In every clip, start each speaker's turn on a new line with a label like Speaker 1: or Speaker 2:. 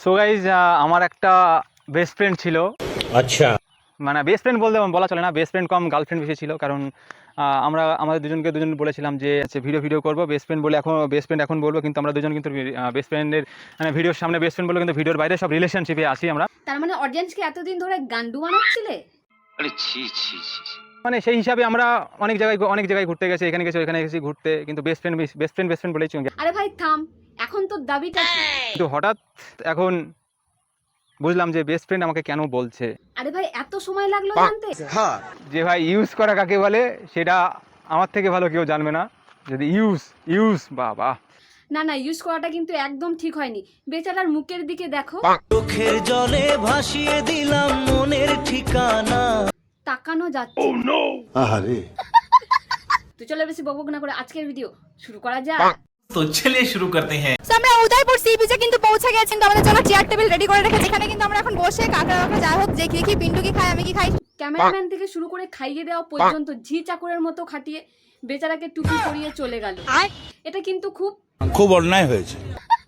Speaker 1: So guys আমার একটা best friend ছিল। আচ্ছা, মানে বেস্ট ফ্রেন্ড বলতে বলা চলে না, বেস্ট ফ্রেন্ড কম গার্লফ্রেন্ড বেশি ছিল। কারণ আমরা আমাদের দুজন বলেছিলাম যে ভিডিও করবো বেস্ট ফ্রেন্ড বলে, এখন বেস্ট ফ্রেন্ড এখন বলবো, কিন্তু আমরা দুজন কিন্তু বেস্ট ফ্রেন্ডের মানে ভিডিওর সামনে বেস্ট ফ্রেন্ড বলে, কিন্তু ভিডিওর বাইরে সব রিলেশনশিপে আসি আমরা।
Speaker 2: তার মানে অডিয়েন্সকে এতদিন ধরে গান্ডু বানাচ্ছিলে?
Speaker 3: আরে ছি ছি ছি,
Speaker 1: মানে সেই হিসাবে আমরা অনেক জায়গায় ঘুরতে গেছি, এখানে গেছি ওখানে গেছি ঘুরতে, কিন্তু বেস্ট ফ্রেন্ড বলেই চলে।
Speaker 2: আরে ভাই থাম, এখন তো দাবিটা কি?
Speaker 1: কিন্তু হঠাৎ এখন বুঝলাম যে বেস্ট ফ্রেন্ড আমাকে কেন বলছে।
Speaker 2: আরে ভাই এত সময় লাগলো জানতে?
Speaker 1: যে ভাই ইউজ করা কাকে বলে সেটা আমার থেকে ভালো কেউ জানবে না। যদি ইউজ বাবা,
Speaker 2: না না, ইউজ করাটা কিন্তু একদম ঠিক হয়নি। বেচারার মুখের দিকে দেখো,
Speaker 4: চোখের জলে ভাসিয়ে দিলাম মনের ঠিকানা।
Speaker 2: তাকানো যাচ্ছে।
Speaker 5: আহারে,
Speaker 2: তো চলো বেশি বকবক না করে আজকের ভিডিও শুরু করা যাক।
Speaker 4: তো চলিए शुरू करते हैं।
Speaker 6: আমরা উদয়পুর সি বিচে কিন্তু পৌঁছে গেছি, কিন্তু আমাদের জন্য চেয়ার টেবিল রেডি করে রেখেছি। এখানে কিন্তু আমরা এখন বসে কাকা যাই হোক দেখি কি পিন্টু কি খায় আমি কি খাই।
Speaker 2: ক্যামেরাম্যান থেকে শুরু করে খাইয়ে দেওয়া পর্যন্ত ঝি চাকরের মতো খাটিয়ে বেচারাকে টুপি পরিয়ে চলে গেল। এটা কিন্তু
Speaker 5: খুব অন্যায় হয়েছে।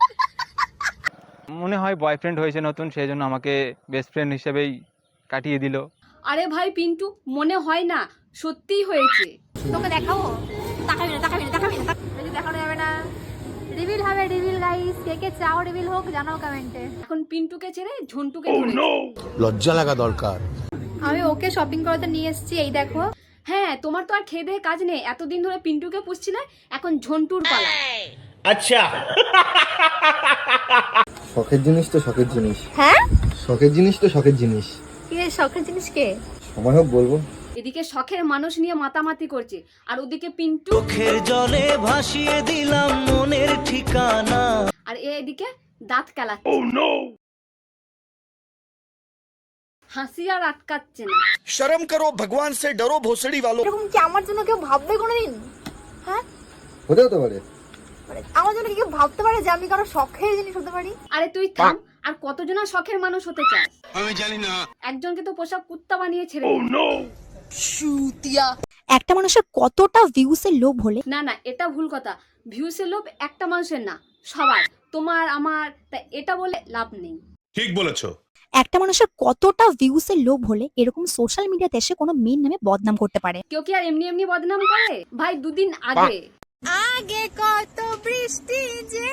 Speaker 1: মনে হয় বয়ফ্রেন্ড হয়েছে নতুন, সেই জন্য আমাকে বেস্ট ফ্রেন্ড হিসেবেই কাটিয়ে দিল।
Speaker 2: আরে ভাই পিন্টু, মনে হয় না, সত্যিই হয়েছে।
Speaker 6: তোকে দেখাবো, তাকাবি না দেখানো যাবে না। রিভিল হবে, রিভিল গাইস, কে কে চাও রিভিল হোক জানাও কমেন্টে।
Speaker 2: এখন পিন্টুকে ছেড়ে ঝন্টুকে ধরেছে।
Speaker 5: লজ্জা লাগা দরকার।
Speaker 6: আমি ওকে শপিং করাতে নিয়ে এসেছি, এই দেখো।
Speaker 2: হ্যাঁ, তোমার তো আর খেয়ে দেয়ে কাজ নেই, এতদিন ধরে পিন্টুকে পুষছিলে, এখন ঝন্টুর পালা।
Speaker 4: अच्छा
Speaker 7: শখের জিনিস তো শখের জিনিস,
Speaker 6: হ্যাঁ
Speaker 7: শখের জিনিস তো শখের জিনিস।
Speaker 6: কি শখের জিনিস কে?
Speaker 7: সময় হোক বলবো।
Speaker 2: এদিকে শখের মানুষ নিয়ে মাতামাতি করছে, আর ওদিকে পিন্টু,
Speaker 4: চোখের জলে ভাসিয়ে দিলাম মনের ঠিকানা।
Speaker 2: আর এদিকে দাঁত কেলাচ্ছে। হাসি আর আটকাচ্ছে না।
Speaker 8: शर्म करो, भगवान से डरो, भोसड़ी वालों।
Speaker 6: এরকম কি আমার জন্য কেউ ভাববে কোনোদিন? হ্যাঁ,
Speaker 7: হতে হতে পারে।
Speaker 6: মানে আমার জন্য কি কেউ ভাবতে পারে যে আমি কারো শখের জিনিস হতে পারি?
Speaker 2: আরে তুই থাম, আর কতজনা শখের মানুষ হতে চায়? আমি জানি না। একজনকে তো পোষা কুত্তা বানিয়ে ছেড়ে দিল।
Speaker 6: একটা মানুষের কতটা ভিউসের লোভ হলে?
Speaker 2: না না, এটা ভুল কথা। ভিউসের লোভ একটা মানুষের না, সবার, তোমার আমার, তাই এটা বলে লাভ নেই।
Speaker 5: ঠিক বলেছো।
Speaker 6: একটা মানুষের কতটা ভিউসের লোভ হলে এরকম সোশ্যাল মিডিয়াতে এসে কোনো মেয়ের নামে বদনাম করতে পারে?
Speaker 2: কেউ কি আর এমনি এমনি বদনাম করে? ভাই দুদিন আগে
Speaker 6: কত বৃষ্টি যে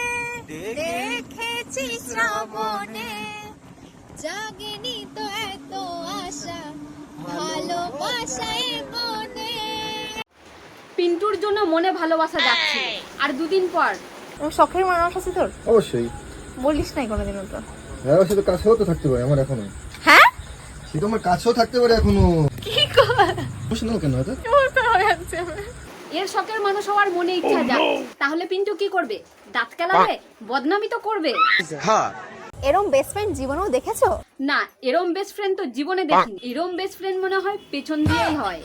Speaker 6: দেখেছি শ্রাবণে, জাগেনি তো এত আশা, ভালোবাসায় মনে।
Speaker 2: পিন্টুর জন্য মনে ভালোবাসা যাচ্ছে, আর দুদিন পর
Speaker 6: শখের মানুষ আছে তোর?
Speaker 7: অবশ্যই।
Speaker 6: বলিস নাই কোনোদিনও তো?
Speaker 7: হ্যাঁ, সে তো কাছেও তো থাকতে পারে আমার এখনো।
Speaker 6: হ্যাঁ,
Speaker 7: সে তো আমার কাছেও থাকতে পারে এখনো।
Speaker 6: কি কর?
Speaker 7: বুঝলো কেন হয়তো?
Speaker 2: এর শখের মানুষ হওয়ার মনে ইচ্ছা যায়, তাহলে পিন্টু কি করবে? দাঁত কেলাবে, বদনামি তো করবে।
Speaker 6: এরম বেস্ট ফ্রেন্ড জীবনেও দেখেছো?
Speaker 2: না, এরম বেস্ট ফ্রেন্ড তো জীবনে দেখিনি। এরম বেস্ট ফ্রেন্ড মনে হয় পেছন দিয়েই হয়।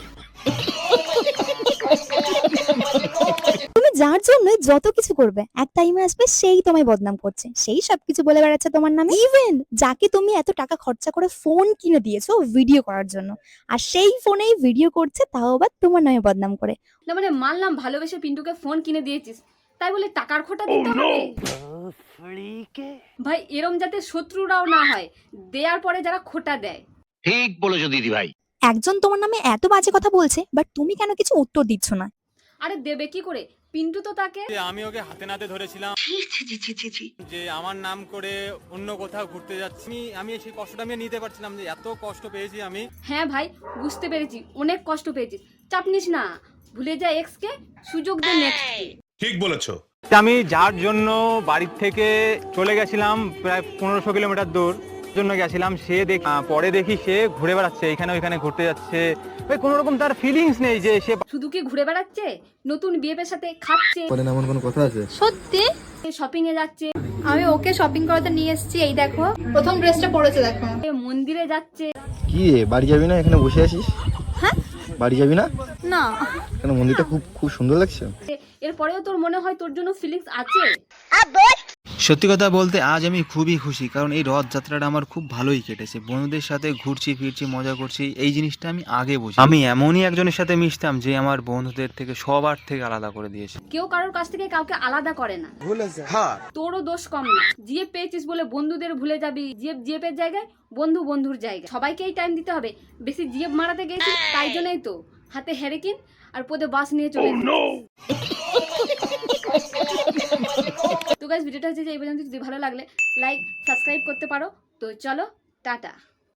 Speaker 6: তুমি যার জন্য যত কিছু করবে এক টাইমে আসবে সেই তোমায় বদনাম করছে, সেই সবকিছু বলে বেড়াচ্ছে তোমার নামে। ইভেন যাকে তুমি এত টাকা খরচা করে ফোন কিনে দিয়েছো ভিডিও করার জন্য, আর সেই ফোনেই ভিডিও করছে, তাও আবার তোমার নামে বদনাম করে।
Speaker 2: না মানে মানলাম ভালোবেসে পিন্টুকে ফোন কিনে দিয়েছিস, তাই বলে টাকার খোটা দিতে হবে? ভাই এরম যাতে শত্রুরাও না হয়, দেওয়ার পরে যারা খোটা দেয়।
Speaker 3: ঠিক বলেছো দিদি ভাই।
Speaker 6: একজন তোমার নামে এত বাজে কথা বলছে, বাট তুমি কেন কিছু উত্তর দিচ্ছ না?
Speaker 2: আরে দেবে কি করে? পিন্টু তো তাকে,
Speaker 1: আমি ওকে হাতে নাতে ধরেছিলাম যে আমার নাম করে অন্য কোথাও ঘুরতে যাচ্ছি, আমি সেই কষ্টটা আমি নিতে পারছিলাম, যে এত কষ্ট পেয়েছি আমি।
Speaker 2: হ্যাঁ ভাই বুঝতে পেরেছি, অনেক কষ্ট পেয়েছিস, চাপ নিস না, ভুলে যা এক্স কে, সুযোগ দে নেক্সট কে।
Speaker 5: ঠিক বলেছো।
Speaker 1: আমি যার জন্য বাড়ির থেকে চলে গেছিলাম প্রায় 1500 কিলোমিটার দূর জন্য গেছিলাম, সে পরে দেখি সে ঘুরে বেড়াচ্ছে, এখানে ওইখানে ঘুরতে যাচ্ছে। ভাই কোনো রকম তার ফিলিংস নেই যে সে
Speaker 2: শুধু কি ঘুরে বেড়াচ্ছে, নতুন বিয়ের সাথে খাচ্ছে,
Speaker 7: বলেন এমন কোনো কথা আছে?
Speaker 6: সত্যি
Speaker 2: শপিং এ যাচ্ছে,
Speaker 6: আমি ওকে শপিং করাতে নিয়ে এসেছি, এই দেখো। প্রথম ড্রেসটা পরেছে দেখো।
Speaker 2: মন্দিরে যাচ্ছে।
Speaker 7: কি রে, বাড়ি যাবি না? এখানে বসে আছিস?
Speaker 6: হ্যাঁ,
Speaker 7: বাড়ি যাবি না?
Speaker 6: না
Speaker 7: কেন, মন্দিরটা খুব খুব সুন্দর লাগছে।
Speaker 2: এরপরেও তোর মনে হয় তোর জন্য ফিলিংস আছে?
Speaker 1: সত্যি কথা বলতে আজ আমি খুবই খুশি, কারণ এই রথযাত্রাটা আমার খুব ভালোই কেটেছে। বন্ধুদের সাথে ঘুরছি ফিরছি মজা করছি, এই জিনিসটা আমি আগে বুঝি। আমি এমনই একজনের সাথে মিশতাম যে আমার বন্ধুদের থেকে সবার থেকে আলাদা করে দিয়েছে।
Speaker 2: কেউ কারোর কাছ থেকে কাউকে আলাদা করে না, তোরও দোষ কম না। জিএফ পেয়েছিস বলে বন্ধুদের ভুলে যাবি, জিএফের জায়গায় বন্ধু বন্ধুর জায়গায়। সবাইকেই টাইম দিতে হবে। বেশি জিএফ মারাতে গেছি, তাই জন্যই তো হাতে হেরেকিন আর পদে বাস নিয়ে চলে তো গাইস, ভিডিওটা হচ্ছে যে এই পর্যন্ত। যদি ভালো লাগলে লাইক সাবস্ক্রাইব করতে পারো। তো চলো, টাটা।